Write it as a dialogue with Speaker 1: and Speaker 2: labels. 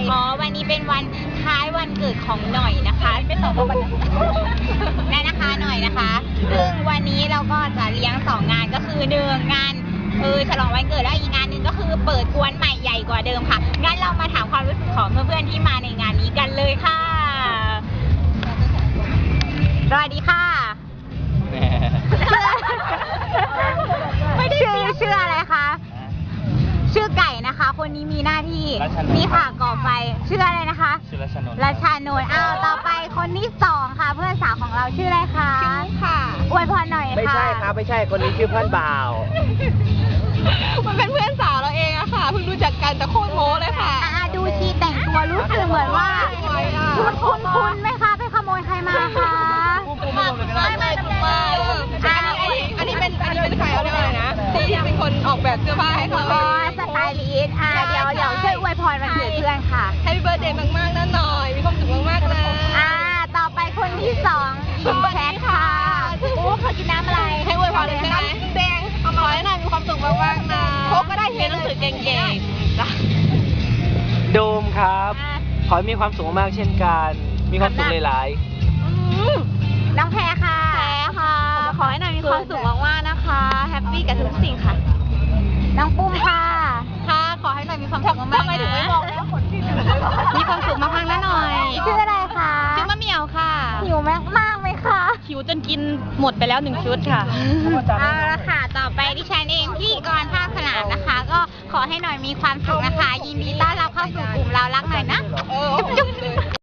Speaker 1: อ๋อวันนี้เป็นวันคล้ายวันเกิดของหน่อยนะคะไม่ตอบว่าวันนั่นนะคะหน่อยนะคะซึ่งวันนี้เราก็จะเลี้ยง2งานก็คือ1งานฉลองวันเกิดแล้วอีกงานหนึ่งก็คือเปิดกวนใหม่ใหญ่กว่าเดิมค่ะงั้นเรามาถามความรู้สึกของเพื่อนๆที่มาในงานนี้กันเลยค่ะสวัสดีค่ะชื่ออะไรคะชื่อไก่นะคะคนนี้มีหน้าที่นี่ค่ะก่อไฟชื่ออะไรนะคะ
Speaker 2: ชื่อรัชนนท์
Speaker 1: รัชานนท์ต่อไปคนที่2ค่ะเพื่อนสาวของเราชื่ออะไรคะชื่อค่ะอวยพรหน่อยค่ะ
Speaker 2: ไม่ใช่ครับไม่ใช่คนนี้ชื่อเพื่อนบ่าว
Speaker 3: มันเป็นเพื่อนสาวเราเองอะค่ะเพิ่งรู้จักกันแต่โคตรโม้เลยค่ะ
Speaker 1: ดูชีแต่งตัวรู้สึกเหมือนว่าคุณไหมคะไปขโมยใครมาคะ
Speaker 3: ไม่ถูกมาอันนี้เป็นใครเอาเรียกว่าอะไรนะที่เป็นคนออกแบบเสื้อผ้าให้เขา
Speaker 1: สไตลิสต์เดี๋ยวช่วยอวยพรวันเกิดเพื่อนค่ะ
Speaker 3: แฮปปี้เบิร์ธเดย์มากๆนะหน่อยมีความสุขมากๆเลย
Speaker 1: ต่อไปคนที่2อินแชทค่ะเขากินน้ำอะไร
Speaker 3: ให้อวยพรเลยใช่ไหมแดงเอามาให้หน่อยมีความสุขมากๆนะโค้กก็ได้เรียนหนังสือเก่งๆจ้ะ
Speaker 2: โดมครับขอให้มีความสุขมากเช่นกันมีความสุขหลาย
Speaker 1: ๆน้องแพรค่ะ
Speaker 3: ขอให้หน่อยมีความสุขมากๆนะคะแฮปปี้กับทุกสิ่งค่ะ
Speaker 1: น้องปุ้มค่ะ
Speaker 3: ขอให้หน่อยมีความสุขมากๆนะทำไมถึงไม่บอกแล้วคนที่มีความสุขมากๆนะหน่อย
Speaker 1: ชื่ออะไรคะ
Speaker 3: ชื่อมะเหมียวค่ะ
Speaker 1: หิวมากไหมคะ
Speaker 3: หิวจนกินหมดไปแล้ว1ชุดค่ะ
Speaker 1: เอาละค่ะต่อไปดิฉันเองพี่กรภาคสนามนะคะก็ขอให้หน่อยมีความสุขนะคะยินดีต้อนรับเข้าสู่กลุ่มเรารักหน่อยนะ